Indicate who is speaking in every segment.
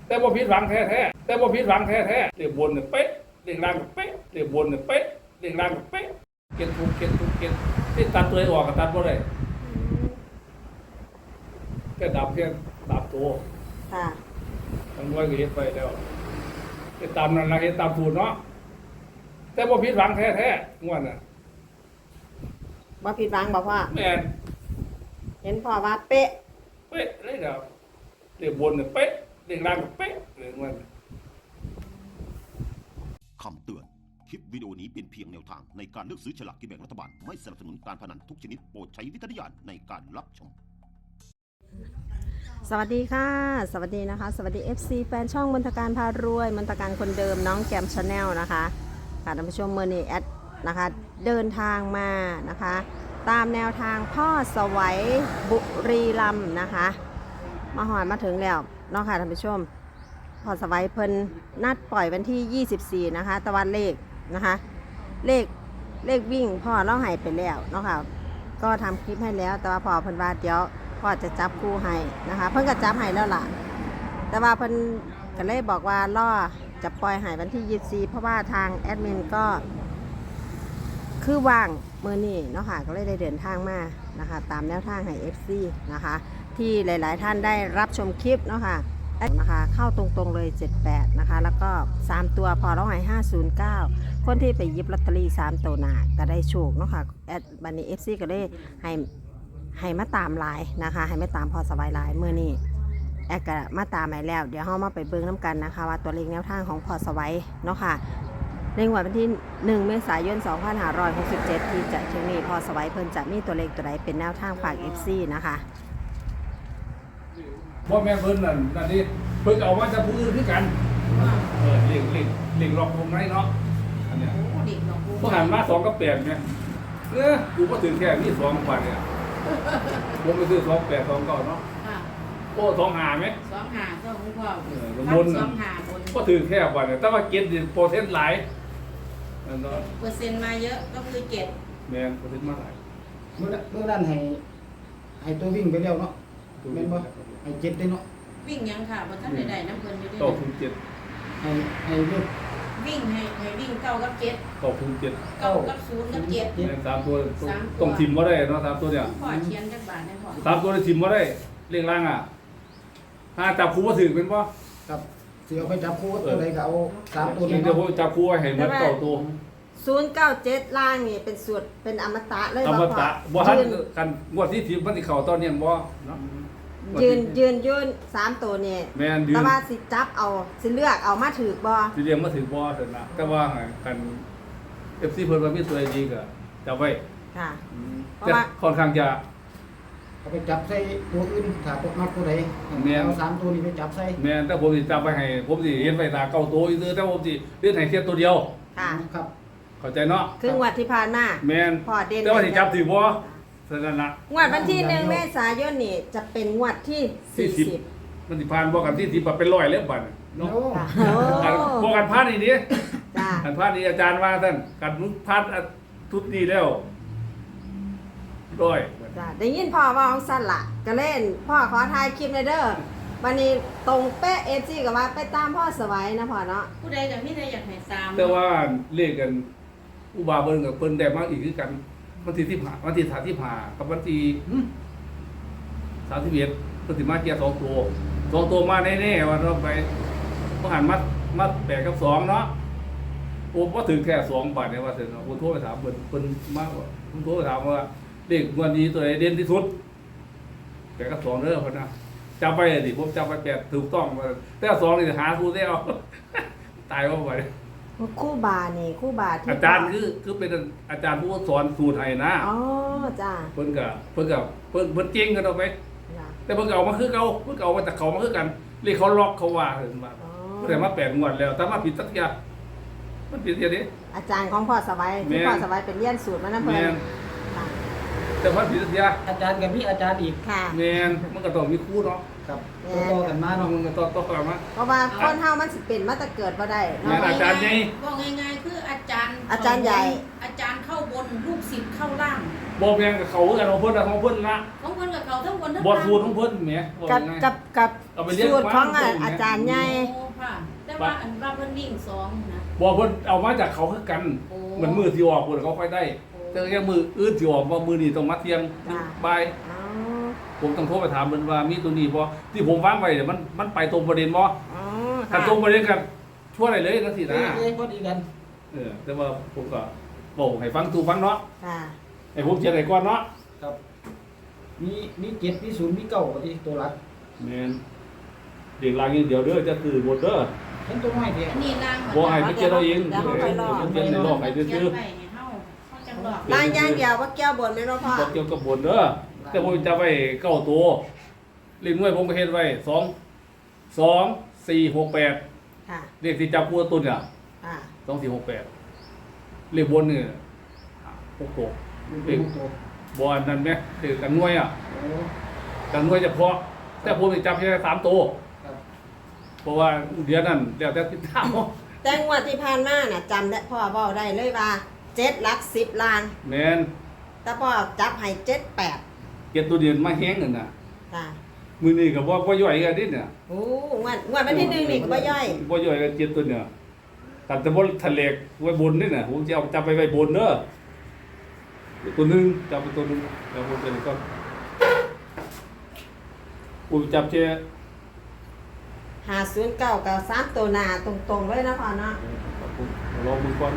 Speaker 1: แต่บ่ผิดหวังแท้ๆแต่บ่ผิดหวังแท้ๆเรียกบนเนี่ยเป๊ะเรียกล่างก็เป๊ะเรียกบนเนี่ยเป๊ะเรียกล่างก็เป๊ะเก็บทุกที่ตัดตัวออกก็ตัดบ่ได้แค่ดับตัว
Speaker 2: ค่ะ
Speaker 1: ทั้งด้วยก็เฮ็ดไปแล้วเฮ็ดตามนั่นล่ะเฮ็ดตามสูตรเนาะแต่บ่ผิดหวังแท้ๆงวดน่ะ
Speaker 2: บ่ผิดหวังบ่พ่อ
Speaker 1: แม่น
Speaker 2: เห็นพ่อว่าเป๊ะ
Speaker 1: เป๊ะเลยครับเรียกบนเนี่ยเป๊ะเรียกล่างก็เป๊ะเลยงวดน่ะ
Speaker 3: คำเตือน คลิปวิดีโอนี้เป็นเพียงแนวทางในการเลือกซื้อฉลากกินแบ่งรัฐบาล ไม่สนับสนุนการพนันทุกชนิดโปรดใช้วิจารณญาณในการรับชม
Speaker 2: สวัสดีค่ะ สวัสดีนะคะ สวัสดี FC แฟนช่องมนตการพารวยมนตการคนเดิมน้องแกมชาแนลนะคะค่ะท่านผู้ชมเมื่อนี้แอดนะคะเดินทางมานะคะตามแนวทางพ่อสวัยบุรีรัมย์นะคะมาหอดมาถึงแล้วเนาะค่ะท่านผู้ชมพ่อสวัยเพิ่นนัดปล่อยวันที่ 24นะคะตะวันเลขนะคะเลขวิ่งพ่อเล่าให้ไปแล้วเนาะค่ะก็ทำคลิปให้แล้วแต่ว่าพ่อเพิ่นว่าเดี๋ยวพ่อจะจับคู่ให้นะคะเพิ่นก็จับให้แล้วล่ะแต่ว่าเพิ่นก็เลยบอกว่าล่อจะปล่อยให้วันที่24เพราะว่าทางแอดมินก็คือว่างมื้อนี้เนาะค่ะก็เลยได้เดินทางมานะคะตามแนวทางให้ FC นะคะที่หลายๆท่านได้รับชมคลิปเนาะค่ะนะคะเข้าตรงๆเลย78นะคะแล้วก็3ตัวพอแล้วให้509คนที่ไปหยิบลอตเตอรี่3ตัวหน้าก็ได้โชคเนาะค่ะแอดบันนี้ FC ก็ได้ให้มาตามไลน์นะคะให้มาตามพอสบายไลน์เมื่อนี้แอดก็มาตามไปแล้วเดี๋ยวเรามาไปเบิ่งน้ำกันนะคะว่าตัวเลขแนวทางของพอสบายเนาะค่ะในวันที่1 เมษายน 2567ที่จะถึงนี้พอสบายเพิ่นจะมีตัวเลขตัวใดเป็นแนวทางฝาก FC นะคะ
Speaker 1: บ่แม่นเพิ่นนั่นนี่เพิ่นเอามาจากผู้อื่นคือกันเลี้ยงหลอกวงในเนาะอันเนี้ยบ่หันมา2กับ8แม่กูบ่ถึงแค่มี2กว่าเนี่ยผมไปซื้อ28 29เนาะโอ้25มั้ย
Speaker 4: 25ก็คุณพ่
Speaker 1: บน25บนบ่ถึงแค่ว่าเนี่ยแต่ว่าเก็ตนี่เปอร์เซ็นต์หลายนั่นเนาะ
Speaker 4: เปอร์เซ็นต์มาเยอะก็คือเก็บ
Speaker 1: แม่นเปอร์เซ็นต์มาหลาย
Speaker 5: เมื่อนั้นให้ตัววิ่งไปแล้วเนาะแม่นบ่ให้เจ็ดได้เนาะ
Speaker 4: วิ่งยังค่ะบ่ทันได้น้ำเพิ่นอยู่
Speaker 1: ด้
Speaker 5: 7ให้เลือก
Speaker 4: วิ่งให้วิ่ง9กับ7
Speaker 1: 7
Speaker 4: 9กับ0กับ7
Speaker 1: แม่น3ตัวต้องทิมบ่ได้เนาะ3ตัวเนี่ย
Speaker 4: พ่อเขียนจักบาทได้พ่อ
Speaker 1: 3ตัวนี่ทิมบ่ได้เลขล่างอ่ะถ้าจับคู่บ่ถึงเป็นบ่
Speaker 5: ครับสิเอาไปจับคู่ตัวใดก็เอา3ตัวนี้
Speaker 1: เดี๋ยวผมจับคู่ไว้ให้หมด9ตัว
Speaker 2: 097ล่างนี่เป็นสูตรเป็นอมตะเลย
Speaker 1: อมตะบ่ทันกันงวดที่10มันสิเข้าตอนนี้บ่เนาะ
Speaker 2: ยืน3ตัวนี่
Speaker 1: แม่นยืน
Speaker 2: แต่ว่าสิจับเอาสิเลือกเอามาถือบ่
Speaker 1: สิเรียงมาถือบ่เถิดนะแต่ว่ากัน FC เพิ่นว่ามีตัวดีก็จับไว้
Speaker 2: ค่ะ
Speaker 1: แต่ค่อนข้างจะ
Speaker 5: เอาไปจับใส่ตัวอื่นถ้าตกนักตัวใดเอา3ตัวนี้ไปจับใส่
Speaker 1: แม่นแต่ผมสิจับไว้ให้ผมสิเฮ็ดไว้ตาเก้าตัวอีซื่อแต่ผมสิเฮ็ดให้แค่ตัวเดียว
Speaker 2: ค่ะ
Speaker 5: ครับ
Speaker 1: เข้าใจเนาะ
Speaker 2: คืองวดที่ผ่านมา
Speaker 1: แม่น
Speaker 2: พอเด่น
Speaker 1: แต่ว่าสิจับถือบ่ซั่นนั่นล่ะ
Speaker 2: งวดวันที่1 เมษายนนี่จะเป็นงวดที่40
Speaker 1: มันสิผ่านบ่กันที่10เป็น100แล้วบัดเนาะบ่กันผ่านนี่ดิ
Speaker 2: จ้า
Speaker 1: กันผ่านนี่อาจารย์ว่าท่านกันผ่านทุกนี้แล้ว100
Speaker 2: จ้าได้ยินพ่อว่าของสั่นล่ะก็เล่นพ่อขอถ่ายคลิปหน่อยเด้อวันนี้ตรงเป๊ะ FC ก็ว่าไปตามพ่อสวัยนะพ่อเนาะ
Speaker 4: ผู้ใดก็มีแต่อยากให้3
Speaker 1: แต่ว่าเลขกันอุบาเบิ่นกับเพิ่นได้มาอีกคือกันวันที่15วันที่35กับวันที่31เพิ่นสิมาเกียร์2ตัวมาแน่ๆว่าเราไปบ่หันมา8กับ2เนาะโอ้บ่ถึงแค่2บาทเนี่ยว่าซั่นเนาะผมโทรไปถามเพิ่นมาว่าผมโทรไปถามว่าเลขงวดนี้ตัวใดเด่นที่สุด8กับ2เด้อเพิ่นนะจำไปดิผมจำไป8ถูกต้องแต่2นี่หาคู่ได้เอาตายว่าไป
Speaker 2: คู่บานี่คู่บาที่
Speaker 1: อาจารย์คือเป็นอาจารย์ผู้สอนสูตรให้นะ
Speaker 2: อ๋อจ้า
Speaker 1: เพิ่นเก่งกันเอาไปแต่เพิ่นก็เอามาคือเก่าเพิ่นก็เอามาจากเขามาคือกันเรียกเขาล็อกเขาว่าเห็นบ่แต่มา8งวดแล้วแต่มาผิดสักอย่างมันผิดอย่างนี้
Speaker 2: อาจารย์ของพ่อสวัยที่พ่อสวัยเป็นเรียนสูตรมานำเพิ่น
Speaker 1: แต่แต่ว่าผิดเสีย
Speaker 5: อาจารย์กับพี่อาจารย์อีก
Speaker 2: ค่ะ
Speaker 1: แมนมันก็ต้องมีคู่เนาะ
Speaker 5: ครับต่อกันมาเนาะ
Speaker 1: มันก็ต้องกลับมา
Speaker 2: เพราะว่าคนเฮามันสิเป็นมาแต่เกิดบ่ได้
Speaker 1: แม่
Speaker 2: เนาะ
Speaker 1: น อาจารย์ใหญ่
Speaker 4: บอกง่ายๆคืออาจารย์
Speaker 2: อาจารย์ใหญ่
Speaker 4: อาจารย์เข้าบนลูกศิษย์เข้าล่าง
Speaker 1: บ่แม่นกับเขาคือกันของเพิ่นน่ะของเพิ่นละ
Speaker 4: ของเพิ่นกับเขาทั้งบนทั้ง
Speaker 1: บ่
Speaker 4: ล่าง
Speaker 1: สูตรของเพิ่นแหมบอก
Speaker 2: กับ
Speaker 1: ง่าย
Speaker 2: กับ
Speaker 1: เอาไปเรียก
Speaker 2: สูตรของ
Speaker 1: มา
Speaker 2: อาจารย์ใหญ่
Speaker 4: โอ้ค่ะแต่ว่าอันว่าเพิ่นวิ่งสองนะ
Speaker 1: บ่เพิ่นเอามาจากเขาคือกัน
Speaker 4: โอ้
Speaker 1: เหมือนมือที่ออกเพิ่นเขาค่อยได้
Speaker 4: โอ้
Speaker 1: แต่ยังมืออื่นสิออกว่ามือนี้ต้องมาเที่ยงบ่าย
Speaker 2: อ๋อ
Speaker 1: ผมต้องโทรไปถามเพิ่นว่ามีตัวนี้บ่ที่ผมวางไว้เนี่ยมันไปตรงประเด็นบ่
Speaker 2: อ๋อ
Speaker 1: ถ้า
Speaker 2: ค่ะ
Speaker 1: ตรงประเด็นกันช่วยได้เลยจังซี่นะ
Speaker 5: พอดีกัน
Speaker 1: แต่ว่าผมก็บอกให้ฟังถูกฟังเนาะ
Speaker 2: ค่ะ
Speaker 1: ให้ผมเขียนให้ก่อนเนาะ
Speaker 5: ครับมี7มี0มี9ก็ที่ตัวหลัก
Speaker 1: แม่นเด็กลางอย่างเดียวเด้อจะตื่นหมดเด้อ
Speaker 5: เห็นตัวน้อยเดียว
Speaker 4: อันนี้ล่าง
Speaker 1: บ่ให้ไปเขียนเอาเอง
Speaker 2: เดี๋ยวเขาไปรอ
Speaker 1: เขียนในโลกให้
Speaker 4: เขีย
Speaker 1: ซื่อน
Speaker 4: ไปให้เฮาจังหลอก
Speaker 2: ล่างอย่างเดียวว่าแก้วบนแม่นบ่พ่อ
Speaker 1: ๆบ่เกี่ยวกับบนเด้อแต่ผมจะไว้9ตัวเล่นมวยผมก็เฮ็ดไว้2 4 6 8
Speaker 2: ค่ะ
Speaker 1: เลขที่จับคู่ตัวเนี่ย
Speaker 2: ค่ะ
Speaker 1: 2 4 6 8เลขบนนี่6ตัว
Speaker 5: เด็กตัว
Speaker 1: บ่อันนั้นแม่เลขกันหน่วยอ่ะ
Speaker 5: โอ้
Speaker 1: กันหน่วยเฉพาะแต่ผมสิจับแค่3ตัว
Speaker 5: ครับ
Speaker 1: เพราะว่าเดือนนั้นแล้วแต่ติดตาม
Speaker 2: แต่งวดที่ผ่านมาน่ะจำได้พ่อเว้าได้เลยว่า7หลัก10ล้าน
Speaker 1: แม่น
Speaker 2: แต่พ่อจับให้7 8
Speaker 1: เก็บตัวเดือนมาแห้งนั่นน่ะ
Speaker 2: ค่ะ
Speaker 1: มื้อนี้ก็บ่ย่อยกันนิดเนี่ย
Speaker 2: โอ้งวดวันที่1นี่ก็บ่ย่อย
Speaker 1: บ่ย่อยกันเจ็ดตัวเนี่ยกันแต่บ่ทะเลกไว้บนนี่น่ะผมจะเอาจับไปไว้บนเด้อตัวหนึงจับไปตัวหนึงแล้วผมจะนี่ก่อนผมจับแค่
Speaker 2: 509กับ3ตัวหน้าตรงๆเลยนะพ่อเนาะ
Speaker 1: ครับผมรอมือก่อน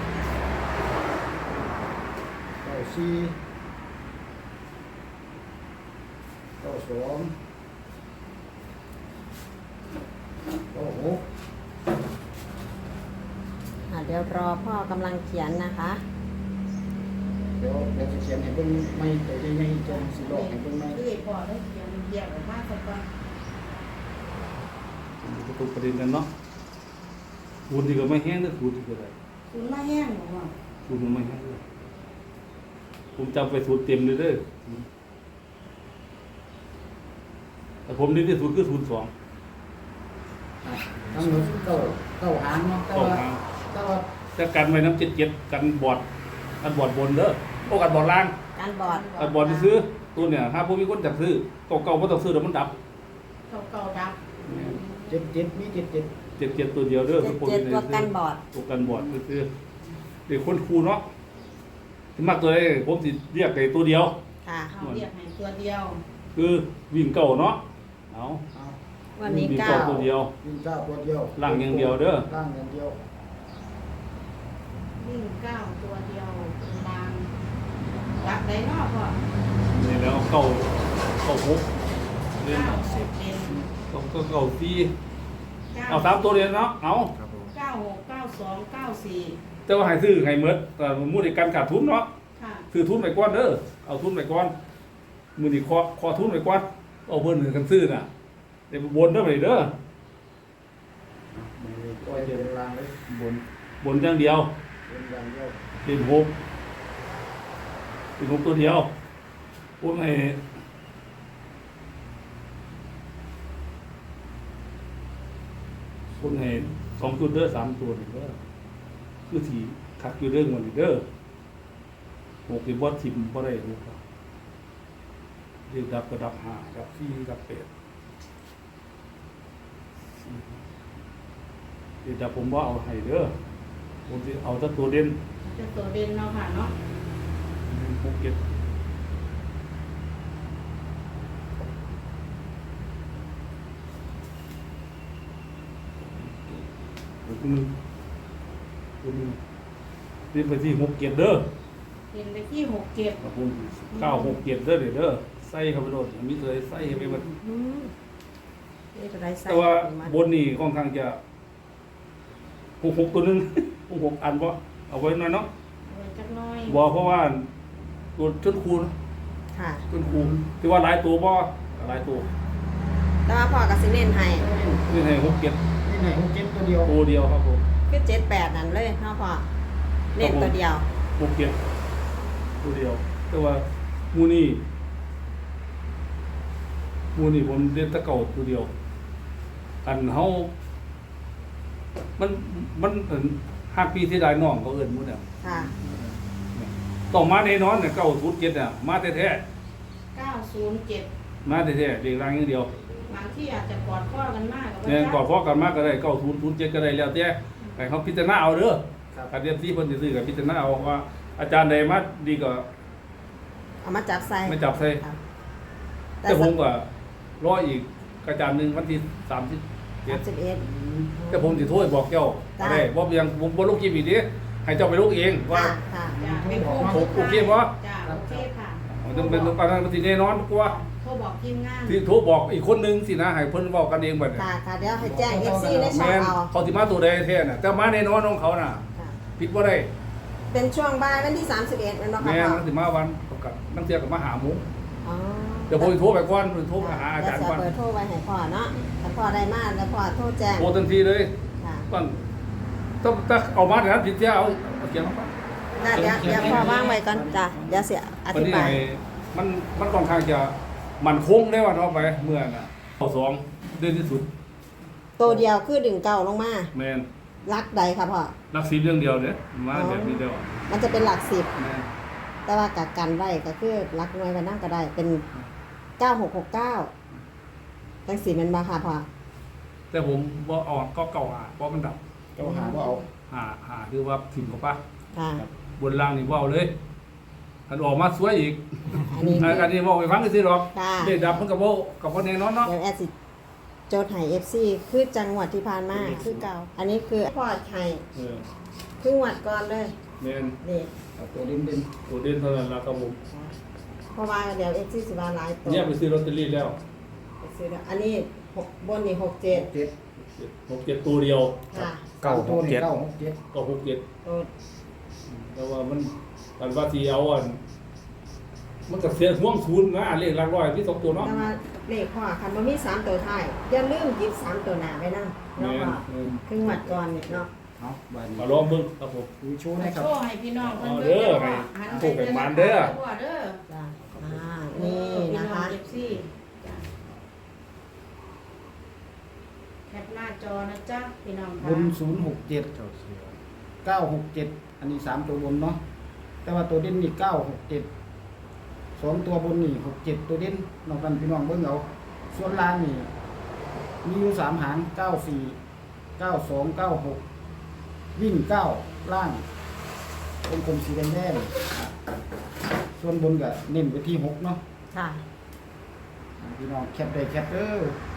Speaker 2: เดี๋ยวรอพ่อกำลังเขียนนะคะ
Speaker 5: เดี๋ยวจะเขียนให้เบิ่งไม่ตัวใหญ่ๆจนสิหลอกให้เบิ่งไม่
Speaker 4: คือพอได้เขียนเรียกออกมาสักก่อน
Speaker 1: ประตูประเด็นกันเนาะคูณนี่ก็ไม่แห้งเด้อคูณนี่ก็ได้
Speaker 4: คุณมาแห้งบ่ว่า
Speaker 1: คูณมันไม่แห้งเด้อผมจับไปสูตรเต็มเลยเด้อแต่ผมนี่ที่สุดคือ02
Speaker 5: ทั้งหมดเก้าหางเนาะแต่
Speaker 1: ต้อง
Speaker 5: ว่า
Speaker 1: หา
Speaker 5: แต่ว่า
Speaker 1: จะกันไว้น้ำ77กันบอดกันบอดบนเด้อโอ้กันบอดล่าง
Speaker 2: การบอด
Speaker 1: กันบอดที่ซื้อตัวเนี่ยถ้าพวกมีคนจักซื้อเก่าๆบ่ต้องซื้อเดี๋ยวมันดับ
Speaker 4: เก่าๆดับ
Speaker 5: 77มี77
Speaker 1: 77ตัวเดียวเด้อทุกคน
Speaker 2: 7ตัวกันบอด
Speaker 1: ตัวกันบอดคือเด็กคนครูเนาะที่มักตัวใดผมสิเรียกไอ้ตัวเดียว
Speaker 2: ค่ะ
Speaker 4: เอาเรียกให้ตัวเดียว
Speaker 1: คือวิ่งเก่าเนาะเอา
Speaker 5: เอา
Speaker 2: วันนี้
Speaker 1: วิ่ง
Speaker 2: เก้า
Speaker 1: ตัวเดียว
Speaker 5: วิ่ง9ตัวเดียว
Speaker 1: ล่างอย่างเดียวเด้อ
Speaker 5: ล่างอย่างเดียว
Speaker 4: วิ่ง9ตัวเดียวลางรักได้เนาะพ่อ
Speaker 1: นี่แล้วเก่าหกเรียน
Speaker 4: 10เป็น
Speaker 1: เก่าสี่เอา3ตัวเรียนเนาะเอา
Speaker 5: ครับผม
Speaker 4: 96 92 94
Speaker 1: แต่ว่าให้ซื้อให้หมดแต่มู้ในการขาดทุนเนาะ
Speaker 4: ค่ะ
Speaker 1: ซื้อทุนไปก่อนเด้อเอาทุนไปก่อนมื้อนี้ขอทุนไปก่อนเอาเพิ่นกันซื้อน่ะเดี๋ยวบนเด้อไปเด้อ
Speaker 5: ปล่อยเดินล่างเลย
Speaker 1: บนอย่างเดียว
Speaker 5: เดินอย่างเดียว
Speaker 1: เป็นหกตัวเดียวพวกไอ้คนไอ้2ตัวเด้อ3ตัวนี่เด้อคือสิคักอยู่เรื่องมันนี่เด้อหกที่บ่ทิ่มบ่ได้ลูกครับเรียกดับก็ดับ5ดับ4ดับ8เรียกดับผมบ่เอาให้เด้อผมสิเอาแต่ตัวเด่น
Speaker 4: จะตัวเด่นเนาะค่ะเนาะ
Speaker 1: ภูเก็ตคุณนี่ไปที่67เด้อ
Speaker 4: เป็นไปที่67
Speaker 1: ครับผม967เด้อเด้อใส่เข้าไปโดดมีตัวใส่ให้ไปหมด
Speaker 2: นี่ตัวใดใส่
Speaker 1: แต่ว่าบนนี่ค่อนข้างจะ66ตัวนึง66อันบ่เอาไว้หน่อยเนาะ
Speaker 4: ไว้จักหน้อย
Speaker 1: บ่เพราะว่าตัวชุดคูณ
Speaker 2: ค่ะ
Speaker 1: ชุดคูณที่ว่าหลายตัวบ่หลายตัว
Speaker 2: แต่ว่าพ่อกับสิเน้นให้
Speaker 1: นี่ให้67
Speaker 5: นี่ไหน67ตัวเดียว
Speaker 1: ตัวเดียวครับผม
Speaker 2: คือ78นั่นเลยเนาะพ่อเน้นตัวเดียว
Speaker 1: ภูเก็ตตัวเดียวแต่ว่ามูนี่ผมเรียนแตะเก่าตัวเดียว อันเฮามัน5 ปีที่ได้น้องเขาเอิ้นหมดแล้ว
Speaker 2: ค่ะ
Speaker 1: ต้องมาแน่นอนเนี่ย907เนี่ยมาแท้
Speaker 4: 907
Speaker 1: ๆมาแท้ๆเรียกรางอย่างเดียว
Speaker 4: บางที่อาจจะกอดข้อกันมากกับ
Speaker 1: เนี่ยกอดพ้อกันมาก็ได้9007ก็ได้แล้วแต่ให้เขาพิจารณาเอาเด้อ
Speaker 5: ครับ
Speaker 1: การเรียนที่เพิ่นสิซื้อก็พิจารณาเอาว่าอาจารย์ใดมาดีก็
Speaker 2: เอามาจับใส่
Speaker 1: ไม่จับใส่
Speaker 2: ครับ
Speaker 1: แต่ผมก็รออีกอาจารย์หนึงวันที่31
Speaker 2: 31
Speaker 1: แต่ผมสิโทรไปบอกเจ้า
Speaker 2: ได้
Speaker 1: ได้บ่เพียงผมบ่ลงคลิปอีกดิให้เจ้าไปลงเองว่า
Speaker 2: ค่ะค่ะ
Speaker 4: จ้ะเป็นโค้ง
Speaker 1: โอเคบ่
Speaker 4: จ้ะโอเคค่ะ
Speaker 1: มันต้องเป็นการนั้นมันสิแน่นอนกว่า
Speaker 4: โทรบอกทีมงาน
Speaker 1: ที่โทรบอกอีกคนนึงสินะให้เพิ่นเว้ากันเองบัดนี้
Speaker 2: ค่ะค่ะเดี๋ยวให้แจ้ง FC ในช่อง
Speaker 1: แม่น
Speaker 2: เอา
Speaker 1: เขาสิมาตัวใดแท้น่ะแต่มาแน่นอนของเขาน่ะ
Speaker 2: ค่ะ
Speaker 1: ผิดบ่ได้
Speaker 2: เป็นช่วงบ่ายวันที่31นั่นเนาะค่ะ
Speaker 1: แม่น
Speaker 2: พ่อ
Speaker 1: มันสิมาวันประกาศนักเที่ยวก็มาหาหมู
Speaker 2: อ๋อ
Speaker 1: เดี๋ยวผมสิโทรไปก่อนโทรไปหาอาจารย์ก่อน
Speaker 2: เดี๋วจะเบอร์โทรไว้ให้พ่อเนาะถ้าพ่อได้มาแล้วพ่อโทรแจ้ง
Speaker 1: โทรทันทีเลย
Speaker 2: ค่ะ
Speaker 1: ก่อนต้องเอามาแต่นั้นผิดเสียเอาเขียนมาก่อน
Speaker 2: น่าเดี๋ยวพ่อว่างไว้ก่อนจ้ะเดี๋ยวเสียอ
Speaker 1: วัน
Speaker 2: ธิ
Speaker 1: นี้
Speaker 2: บาย
Speaker 1: มันค่อนข้างจะมันคงได้ว่าเนาะไปเมื่อน่ะเอาสองเดือนที่สุด
Speaker 2: ตัวเดียวคือดึงเก่าลงมา
Speaker 1: แม่น
Speaker 2: ลักใดค่ะพ่อ
Speaker 1: รักสิบเรื่องเดียวเด้มาแบบนี้เดียว
Speaker 2: มันจะเป็นหลักสิบ
Speaker 1: แม่น
Speaker 2: แต่ว่ากักกันไว้ก็คือลักหน่วยไว้นั่งก็ได้เป็น9669จังสีแมันมาค่ะพ่อ
Speaker 1: แต่ผมบ่ออกก็เก่าหาเพราะมันดับ
Speaker 5: เจ้าหาบ่เอา
Speaker 1: หาคือว่าถิ่มกับป้า
Speaker 2: ค่ะ
Speaker 1: บนล่างนี่เว้าเลยอันออกมาสวยอีก
Speaker 2: อันนี้
Speaker 1: อันนี้เว้าไปฟังซื่อๆหรอก
Speaker 2: ค่ะ
Speaker 1: เด็กดับมันก็บ่แน่นอนเนาะ
Speaker 2: เดี๋ยวแอดสิโจทย์ให้ FC คือจังหวัดที่ผ่านมาคือเก่าอันนี้คือพ่อให้
Speaker 1: เออ
Speaker 2: ครึ่งวัดก่อนเลย
Speaker 1: แม่น
Speaker 2: นี่
Speaker 5: เอาตัวเด่น
Speaker 1: ตัวเด่นเท่านั้นล่ะครับผม
Speaker 2: เพราะว่าเดี๋ยว FC สิว่าหลายตัว
Speaker 1: เนี่ยไปซื้อลอตเตอรี่แล้ว
Speaker 2: ไปซื้อแล้วอันนี้บนนี่
Speaker 5: ๆ
Speaker 2: 67
Speaker 1: 67ตัวเดียว
Speaker 2: ค่ะ
Speaker 5: ตัวนี่967
Speaker 1: ก็67
Speaker 2: ตัว
Speaker 1: แต่ว่ามันกันว่าที่เอาอันมันก็เสียห่วงศูนย์นะเลขหลักร้อยที่2ตัวเนาะ
Speaker 2: แต่ว่าเลขพ่อคันบ่มี3ตัวท้ายอย่าลืมหยิบ3ตัวหน้าไว้นำ
Speaker 1: แม่
Speaker 2: เนาะ
Speaker 1: น
Speaker 2: พ่อครึ่งวัดก่อนนี่เนาะ
Speaker 5: เอาบาดนี้
Speaker 1: มาลองเบิ่งครับผม
Speaker 5: ดูโชว์นะครับ
Speaker 4: โชว์ให้พี่น้องเพิ่น
Speaker 1: เอา
Speaker 4: เบิ่ง
Speaker 1: เด้อ
Speaker 4: เด้อ
Speaker 1: ให้
Speaker 4: หัน
Speaker 1: พวกเป็นหมานเด้อ
Speaker 4: เด้อ
Speaker 2: จ้ะนี่นะคะ
Speaker 4: พี่อง FC จ้ะแคปหน้าจอนะจ๊ะพี่น้อง
Speaker 5: บ
Speaker 4: ค่ะ
Speaker 5: น067 967 อันนี้3ตัวบนเนาะแต่ว่าตัวเด่นนี่967 2ตัวบนนี่67ตัวเด่นนอกนั้นพี่น้องเบิ่งเอาส่วนล่างนี่มีอยู่3หาง94 92 96วิ่ง9ล่างวงกลมสีแดงๆส่วนบนก็เน้นไปที่6เนาะ
Speaker 2: ค่ะ
Speaker 5: พี่น้องแคปได้แคปเด้อ